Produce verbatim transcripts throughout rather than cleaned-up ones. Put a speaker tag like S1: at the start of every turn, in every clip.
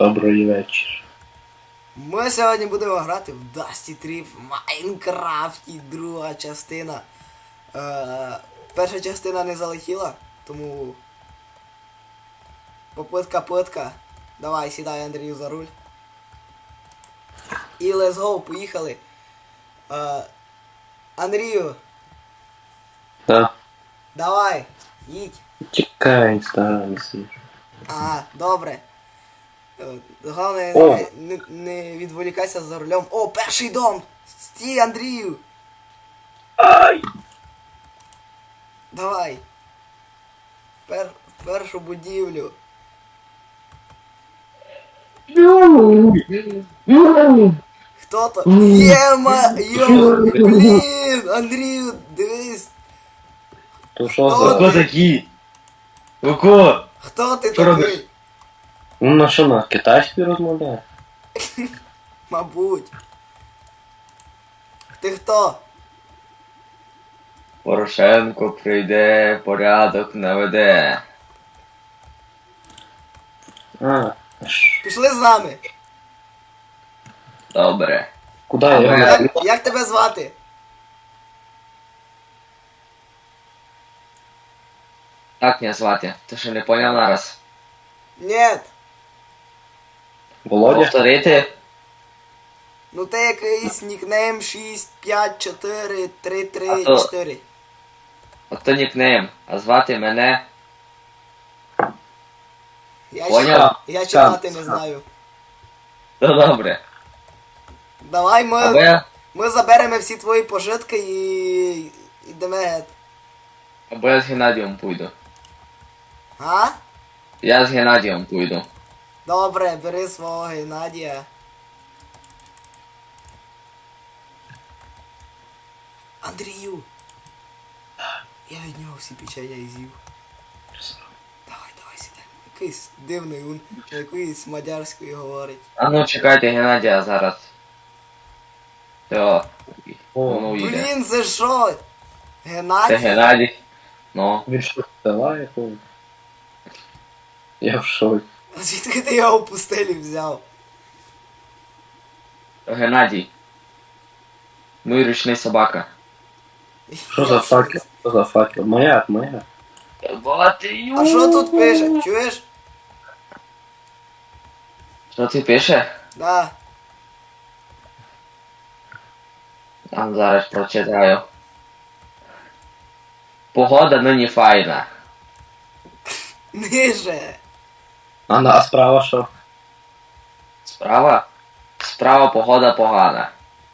S1: Добрий вечір.
S2: Ми сьогодні будемо грати в Dusty Trip в Майнкрафті, друга частина. Е, перша частина не залетіла, тому попитка-питка. Давай, сідай, Андрію, за руль. І let's go, поїхали. Е, Андрію,
S1: Так.
S2: давай, їдь.
S1: Чекай, станції.
S2: Ага, добре. Е, Головне,
S1: О.
S2: не, не, не відволікайся за рулем. О, перший дом! Стій, Андрію!
S1: Ай!
S2: Давай. Пер, першу будівлю. Хто то? Єма! Йо! Блін! Андрію, дивись!
S1: То що
S2: Хто
S1: за...
S2: ти?
S3: Ко такі? Ко?
S2: Хто ти
S3: Що робиш?
S2: такий?
S1: Ну на що, на китайській розмовляє?
S2: Мабуть. Ти хто?
S3: Порошенко прийде, порядок наведе.
S1: А, ш...
S2: Пішли з нами.
S3: Добре.
S1: Куди
S3: А
S1: я?
S3: ми-
S2: Як, як тебе звати?
S3: Як мене звати? Ти що не поняв нараз?
S2: Нет.
S1: Володя?
S3: Повторити?
S2: Ну ти якийсь нікнейм шість п'ять чотири три
S3: А
S2: три
S3: то-
S2: чотири.
S3: Ото нікнейм. А звати мене...
S2: Я,
S3: Поняв?
S2: ще- я читати не знаю.
S3: То добре.
S2: Давай ми,
S3: Або я...
S2: ми заберемо всі твої пожитки і йдемо геть.
S3: Або я з Геннадієм пойду.
S2: А?
S3: Я з Геннадієм пойду.
S2: Добре, бери свого Геннадія. Андрію! Я від нього всі печення і з'їв. Давай, давай, сідай. Якийсь дивний він, якоюсь мадярською говорить.
S3: А ну чекайте Геннадія зараз. Все. Воно їде.
S2: Блін, це що?
S3: Це
S2: Геннадій?
S3: Геннадій. Ну.
S1: Він що, села якого? Я в шоці.
S2: А звідки ти його в пустелі взяв?
S3: Геннадій. Мій ручний собака.
S1: Що за факел? Що за факел? Маяк, маяк.
S3: Бати,
S2: А що тут пише? Чуєш?
S3: Що ти пише?
S2: Да.
S3: Там зараз прочитаю. Погода нині файна.
S2: Ниже.
S1: А на а справа що?
S3: Справа? Справа погода погана.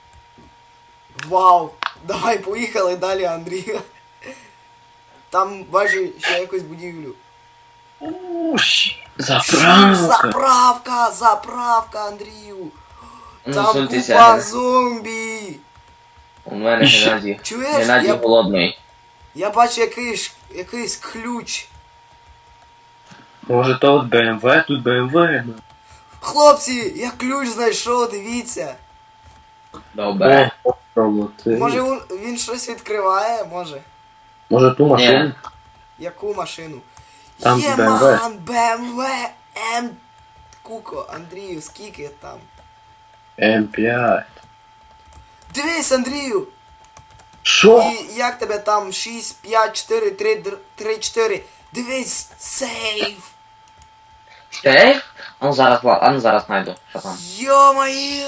S2: Вау. Давай поїхали далі, Андрій. Там бачу ще якусь будівлю.
S1: Уш, заправка.
S2: Заправка, заправка, Андрію.
S3: Ну,
S2: Там
S3: суньтеся.
S2: купа зомбі.
S3: У мене
S1: Іще.
S3: Геннадій.
S2: Чуєш?
S3: Геннадій
S2: Я-
S3: голодний.
S2: Я бачу якийсь, якийсь ключ.
S1: Може то от БМВ, тут БМВ.
S2: Хлопці, я ключ знайшов, дивіться.
S3: Добре.
S1: О, роботи.
S2: Може він, він щось відкриває, може.
S1: Може ту машину?
S2: Яку машину?
S1: Там
S2: Є,
S1: Б М В.
S2: ман, БМВ, М... Куко, Андрію, скільки там?
S1: М п'ять.
S2: Дивись, Андрію!
S1: Що?
S2: І як тебе там шість, п'ять, чотири, три, три, чотири. Дивись, сейф!
S3: Сейф? А ну зараз, Влад, а ну зараз знайду. Що там?
S2: Йо-моє!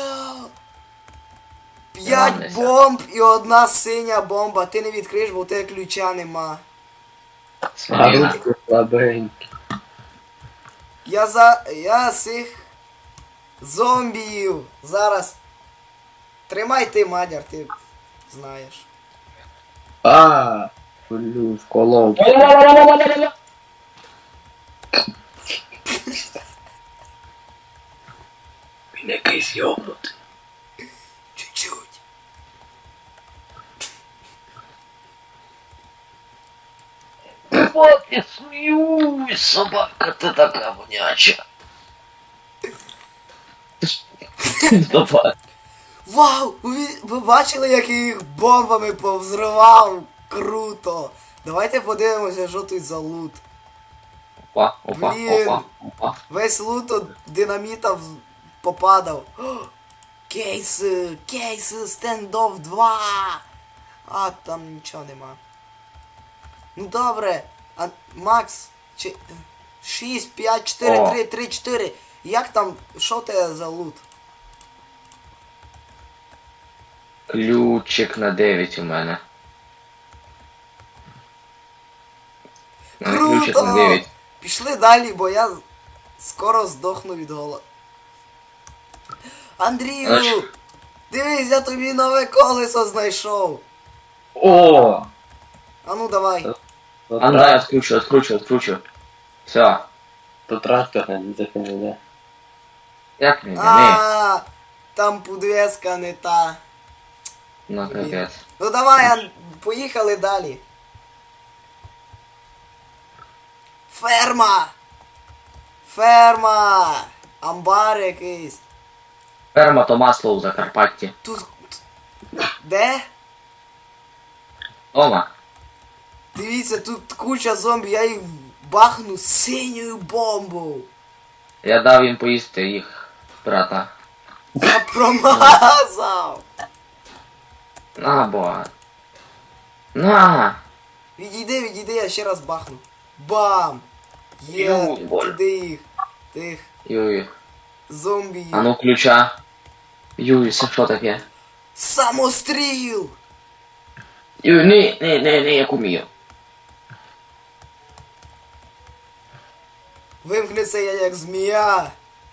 S2: П'ять
S3: Ладно,
S2: бомб і одна синя бомба. Ти не відкриєш, бо у тебе ключа нема.
S1: А
S3: Смоліна.
S1: ручки слабенькі.
S2: Я за... Я цих зомбіїв зараз. Тримай ти, мадяр, ти знаєш.
S1: А, блю, вколов. Він якийсь йобнутий.
S2: Чуть-чуть.
S3: Вот я сміюсь, собака, ти така воняча. Давай.
S2: Вау! Ви, ви бачили, як я їх бомбами повзривав? Круто! Давайте подивимося, що тут за лут.
S3: Опа, опа,
S2: Блін.
S3: опа, опа.
S2: Весь лут от динаміта в- попадав. О, кейси, кейси, стендов два. А, там нічого нема. Ну добре. А, Макс, чи... шість, п'ять, чотири,
S3: О.
S2: три, три, чотири. Як там, що те за лут?
S3: Ключик на дев'ять у мене. У мене Ключик на
S2: Круто!
S3: дев'ять.
S2: Пішли далі, бо я скоро здохну від голоду. Андрію!
S3: Аж.
S2: Дивись, я тобі нове колесо знайшов.
S1: О!
S2: А ну давай.
S1: То,
S3: А ну дай
S1: трак...
S3: откручу, откручу, откручу. Все.
S1: то трактор не закине.
S3: Як не, не,
S2: А, там подвеска не та.
S3: ну капець.
S2: Ну давай, Ан... поїхали далі. Ферма! Ферма! Амбар якийсь.
S3: Ферма то масло у Закарпатті.
S2: Тут. Де?
S3: Дома.
S2: Дивіться, тут куча зомбі, я їх бахну синьою бомбою.
S3: Я дав їм поїсти їх, брата.
S2: Я промазав.
S3: На, бо. На!
S2: Відійди, відійди, я ще раз бахну. Бам! Є,
S3: Ю, Боже.
S2: туди їх. Тих
S3: Юй.
S2: зомбі їх.
S3: А ну ключа. Юй, це що таке?
S2: Самостріл!
S3: Юй, ні, ні, ні, ні, я умію.
S2: Вимкнеться я як змія.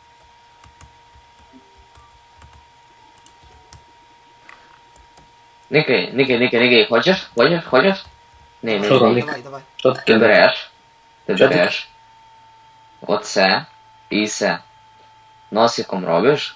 S3: Никай, никай, никай, никай, хочеш? Хочеш? Хочеш? Ні, ні,
S1: Що там?
S3: ні.
S2: Давай, давай.
S1: Що
S3: Ти
S1: таке?
S3: береш. Ти
S1: Що ти-
S3: береш. Оце. І все. Носиком робиш.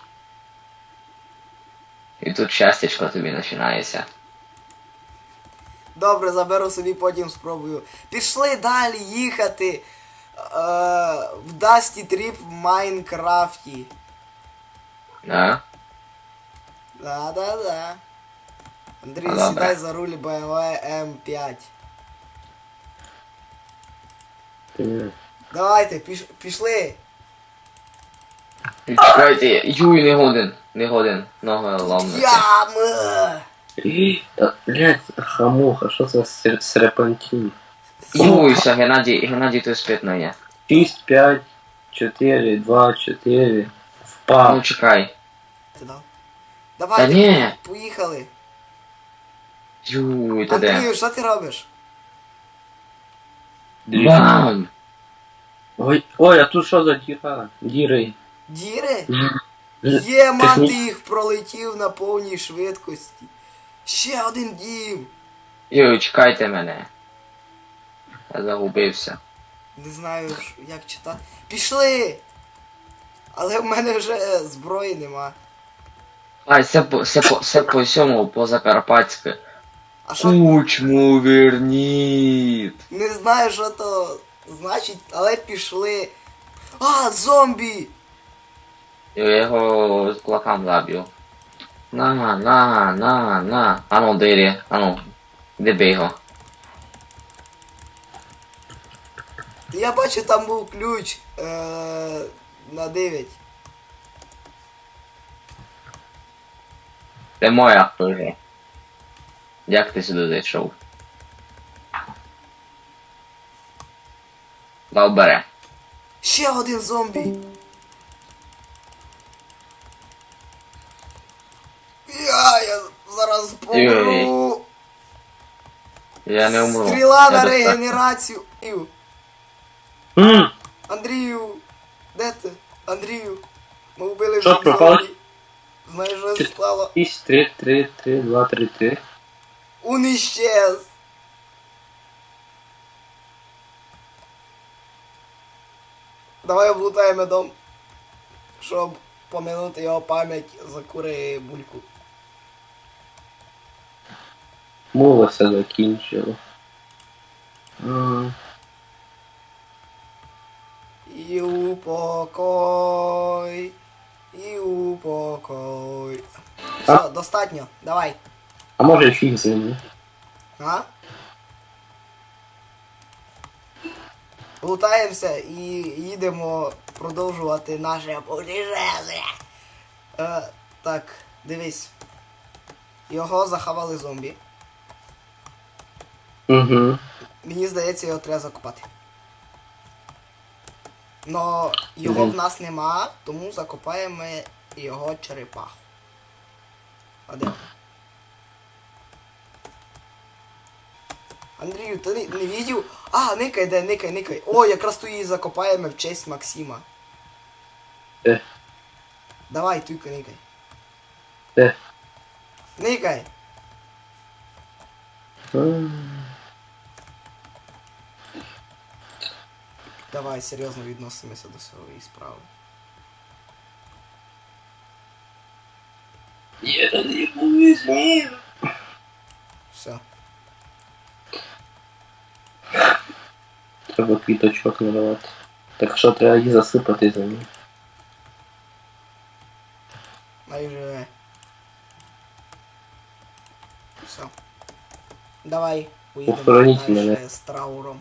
S3: І тут щастячко тобі починається.
S2: Добре, заберу собі, потім спробую. Пішли далі їхати. Е, в Dusty Trip в Майнкрафті.
S3: Да?
S2: Да-да-да. Андрій,
S3: Добре.
S2: сідай за руль бэ эм вэ ем п'ять.
S1: Ти-
S2: Давайте, піш, пішли.
S3: Чекайте, юй, не годен. Не годен. Ногою ломнути.
S2: Ями!
S1: Та, блядь, хамуха, що це сер- серпантин?
S3: Юй, все, Геннадій, Геннадій тут спитно є.
S1: шість, п'ять, чотири, два, чотири.
S3: Ну
S1: Впав.
S3: чекай.
S2: Ти дав?
S3: Та
S2: Давайте,
S3: ні.
S2: поїхали.
S3: Юй, та де?
S2: Андрію, що ти робиш?
S3: Бам!
S1: Ой, ой, а тут що за діра? Діри.
S2: Діри?
S1: Ж-
S2: Є, ман,
S1: Техні-
S2: ти їх пролетів на повній швидкості. Ще один дім.
S3: Юй, чекайте мене. Я загубився.
S2: Не знаю, ж, як читати. Пішли! Але в мене вже зброї нема.
S3: Ай, це по, це по, це по всьому, по Закарпатськи.
S2: А що?
S3: Кучму верніт.
S2: Не знаю, що то значить, але пішли. А, зомбі!
S3: Я його з кулаком заб'ю. На, на, на, на. Ану, дирі, ану. Де бий його?
S2: Я бачу, там був ключ е- на дев'ять.
S3: Це моя хижа. Як ти сюди зайшов? Добре.
S2: Ще один зомбі. Я, я зараз помру.
S3: Я не умру.
S2: Стріла
S3: Я
S2: на
S3: доста-
S2: регенерацію. Ів.
S1: М,
S2: Андрію, де ти? Андрію, ми вбили
S1: Що,
S2: всіх
S1: пропав?
S2: зомбі. Знаєш, що
S1: Чи-
S2: стало?
S1: шість, три, три, три, два, три, три.
S2: Он іщез. Давай облутаємо дом, щоб поминути його пам'ять за кури бульку.
S1: Мова все закінчила. М,
S2: І упокой, і упокой. Все, достатньо, давай.
S1: А може фіг з ним?
S2: А? лутаємося і їдемо продовжувати наше путешествие. Е, так, дивись. Його захавали зомбі.
S1: Угу.
S2: Мені здається, його треба закопати. Но його в нас нема, тому закопаємо його черепаху. А де? Андрію, ти не, не видів? А, никай, де, никай, никай. О, якраз ту її закопаємо в честь Максима.
S1: Де?
S2: Давай, туйка, никай.
S1: Де?
S2: Никай. Давай, серйозно відносимося до своєї справи.
S1: Я не боюсь, ні.
S2: Все.
S1: Треба квіточок наливати. Так що треба її засипати за ним.
S2: Майже. Все. Давай, поїдемо
S1: Похороніть
S2: далі
S1: мене.
S2: з трауром.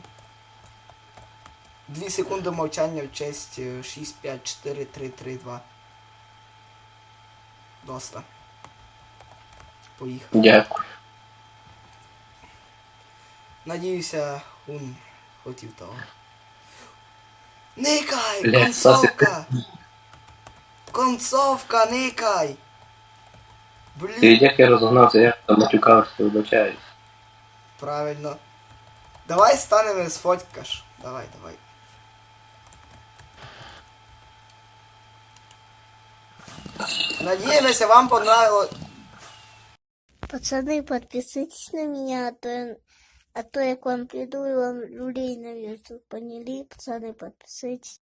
S2: Дві секунди мовчання в честь е, шість, п'ять, чотири, три, три, два. Доста. Поїхали.
S1: Дякую.
S2: Надіюся, он хотів того. Никай!
S1: Блядь,
S2: Концовка! Концовка, никай!
S1: Ти
S2: Блін,
S1: як я розогнався, я там матюкався, вибачаюсь.
S2: правильно. Давай станемо сфоткаш. Давай, давай. Надеемся, вам понравилось.
S4: Пацаны, подписывайтесь на меня, а то, я- а то я к вам приду и вам люлей навешу. Поняли, пацаны, подписывайтесь.